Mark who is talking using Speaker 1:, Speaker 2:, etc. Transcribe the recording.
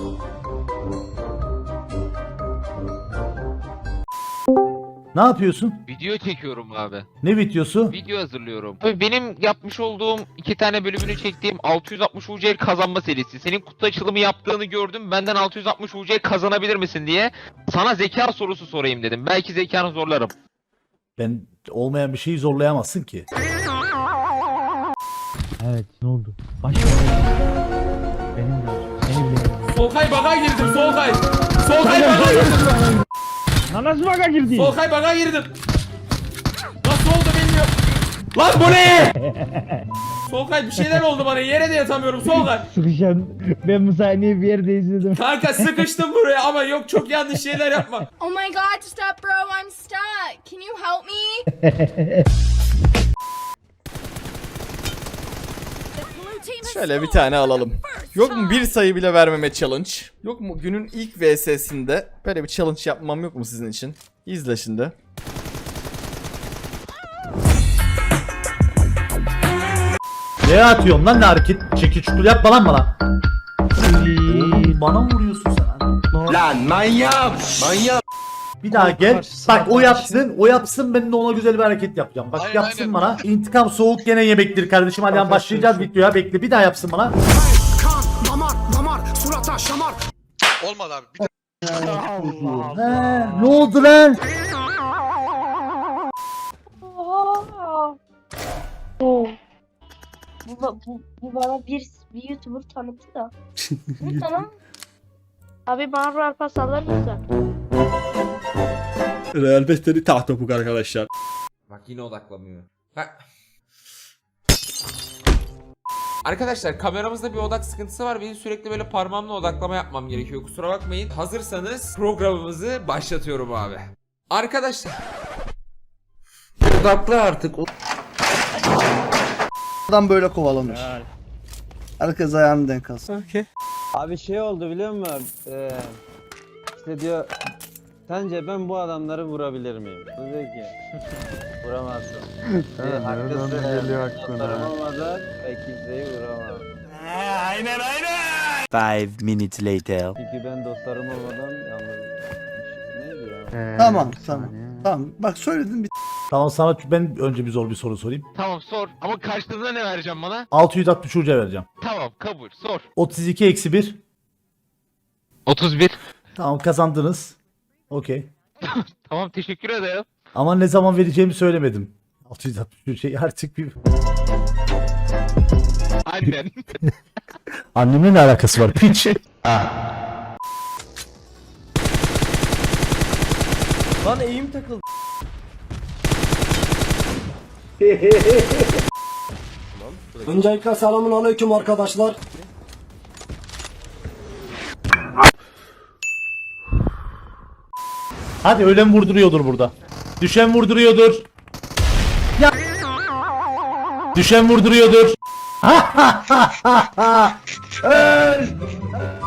Speaker 1: Ne yapıyorsun?
Speaker 2: Video çekiyorum abi.
Speaker 1: Ne videosu?
Speaker 2: Video hazırlıyorum. Tabii benim yapmış olduğum 2 tane bölümünü çektiğim 660 UC kazanma serisi. Senin kutu açılımı yaptığını gördüm. Benden 660 UC kazanabilir misin diye sana zeka sorusu sorayım dedim. Belki zekanı zorlarım.
Speaker 1: Ben olmayan bir şeyi zorlayamazsın ki.
Speaker 3: Evet, ne oldu? Başka benim de. Seni bile.
Speaker 4: Solkay baga girdim Solkay. Solkay baga girdim.
Speaker 3: Lan nasıl baka girdin?
Speaker 4: Solkay baga girdim. Nasıl oldu bilmiyorum. Lan bu ne? Solkay bir şeyler oldu bana, yere de yatamıyorum Solkay.
Speaker 3: Sıkışan. Ben bu sahneyi bir yerde izledim.
Speaker 4: Kanka sıkıştım buraya ama yok, çok yanlış şeyler yapma.
Speaker 5: Oh my god, stop bro, I'm stuck. Can you help me?
Speaker 6: Şöyle bir tane alalım. Yok mu bir sayı bile vermeme challenge? Yok mu günün ilk VS'sinde böyle bir challenge yapmam yok mu sizin için? İzle şimdi.
Speaker 1: Ne atıyorsun lan, ne hareket? Çekil çukul yapma lan bana. Oğlum, bana mı vuruyorsun sen?
Speaker 7: Lan manyak! Manyak!
Speaker 1: Bir daha gel. Bak o yapsın. O yapsın, ben de ona güzel bir hareket yapacağım. Bak
Speaker 7: Aynen,
Speaker 1: yapsın
Speaker 7: aynen.
Speaker 1: bana. İntikam soğuk gene yemektir kardeşim. Hadi başlayacağız videoya. Bekle, bir daha yapsın bana.
Speaker 7: Olmadı abi. Bir de
Speaker 1: Ne oldu lan?
Speaker 8: Bu bana bir YouTuber tanıttı da. Bu tamam. Abi bana Royal Pass alır mısın?
Speaker 6: Real Bester'i tahtopuk arkadaşlar.
Speaker 4: Bak yine odaklamıyor. Arkadaşlar kameramızda bir odak sıkıntısı var. Benim sürekli böyle parmağımla odaklama yapmam gerekiyor. Kusura bakmayın. Hazırsanız programımızı başlatıyorum abi. Arkadaşlar. Odaklı artık.
Speaker 9: Adam böyle kovalanır. Herkes ayağını denk alsın.
Speaker 3: Abi şey oldu biliyor musun? İşte diyor, sence ben bu adamları vurabilir miyim? Bu diyor ki vuramazsın. Haklısın. Dostlarım olmadan ben kimseyi vuramam.
Speaker 7: aynen.
Speaker 9: 5 minutes later.
Speaker 3: Çünkü ben dostlarım olmadan yalnız. Neydi ya?
Speaker 9: Tamam. Tamam. Bak söyledim bir
Speaker 1: Tamam, sana ben önce bir zor bir soru sorayım.
Speaker 2: Tamam sor. Ama karşılığında ne vereceğim bana?
Speaker 1: 660 uca vereceğim.
Speaker 2: Tamam kabul. Sor.
Speaker 1: 32 eksi 1.
Speaker 2: 31.
Speaker 1: Tamam, kazandınız. Okey.
Speaker 2: Tamam teşekkür ederim.
Speaker 1: Ama ne zaman vereceğimi söylemedim. 660 şey artık bir...
Speaker 2: Annen.
Speaker 1: Annemle ne alakası var piç?
Speaker 6: Lan eğim takıldı.
Speaker 9: Öncelikle selamun aleyküm arkadaşlar.
Speaker 1: Hadi, ölen vurduruyordur burada. Düşen vurduruyordur. Ya. Düşen vurduruyordur. Öl.